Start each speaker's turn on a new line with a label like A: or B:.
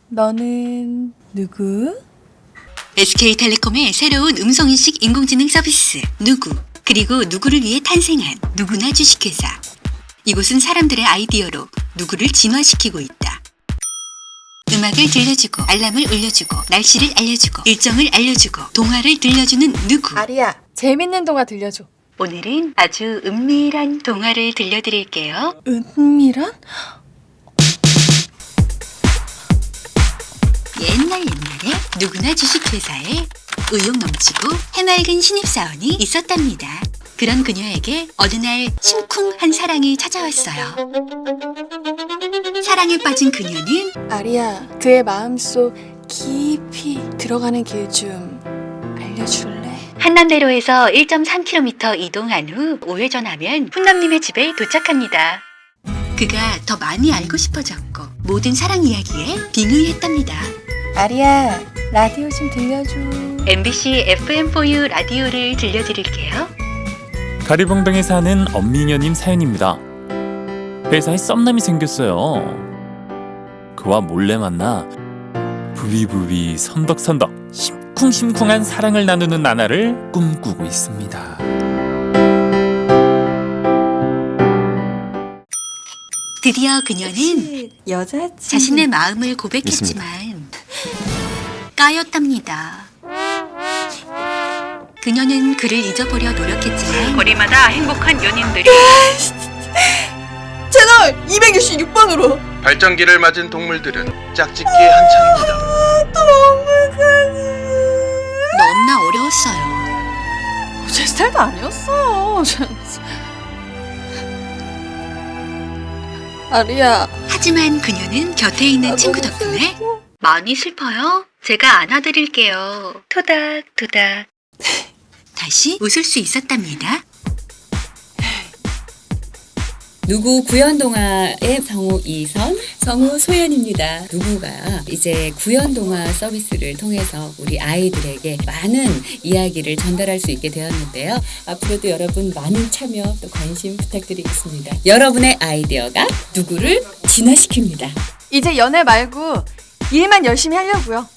A: 너는 누구?
B: SK텔레콤의 새로운 음성인식 인공지능 서비스 누구, 그리고 누구를 위해 탄생한 누구나 주식회사. 이곳은 사람들의 아이디어로 누구를 진화시키고 있다. 음악을 들려주고, 알람을 울려주고, 날씨를 알려주고, 일정을 알려주고, 동화를 들려주는 누구.
A: 아리야, 재밌는 동화 들려줘.
B: 오늘은 아주 은밀한 동화를 들려드릴게요.
A: 은밀한?
B: 옛날에 누구나 주식회사에 의욕 넘치고 해맑은 신입사원이 있었답니다. 그런 그녀에게 어느 날 심쿵한 사랑이 찾아왔어요. 사랑에 빠진 그녀는
A: 아리야, 그의 마음속 깊이 들어가는 길 좀 알려줄래?
B: 한남대로에서 1.3km 이동한 후 우회전하면 훈남님의 집에 도착합니다. 그가 더 많이 알고 싶어졌고 모든 사랑 이야기에 빙의했답니다.
A: 아리야, 라디오 좀 들려줘.
B: MBC FM4U 라디오를 들려드릴게요.
C: 가리봉동에 사는 엄미녀님 사연입니다. 회사에 썸남이 생겼어요. 그와 몰래 만나 부비부비 선덕선덕 심쿵심쿵한 사랑을 나누는 나날을 꿈꾸고 있습니다.
B: 드디어 그녀는
A: 여자친구.
B: 자신의 마음을 고백했지만 까였답니다. 그녀는 그를 잊어보려 노력했지만 거리마다 행복한 연인들이
A: 채널 266번으로.
D: 발전기를 맞은 동물들은 짝짓기 한창입니다.
B: 너무나 어려웠어요.
A: 제 스타일도 아니었어. 아리야.
B: 하지만 그녀는 곁에 있는 친구
A: 너무
B: 덕분에
A: 슬퍼.
B: 많이 슬퍼요? 제가 안아드릴게요. 토닥토닥. 다시 웃을 수 있었답니다.
E: 누구 구연동화의 성우 이선, 성우 소연입니다. 누구가 이제 구연동화 서비스를 통해서 우리 아이들에게 많은 이야기를 전달할 수 있게 되었는데요. 앞으로도 여러분 많은 참여 또 관심 부탁드리겠습니다. 여러분의 아이디어가 누구를 진화시킵니다.
A: 이제 연애 말고 일만 열심히 하려고요.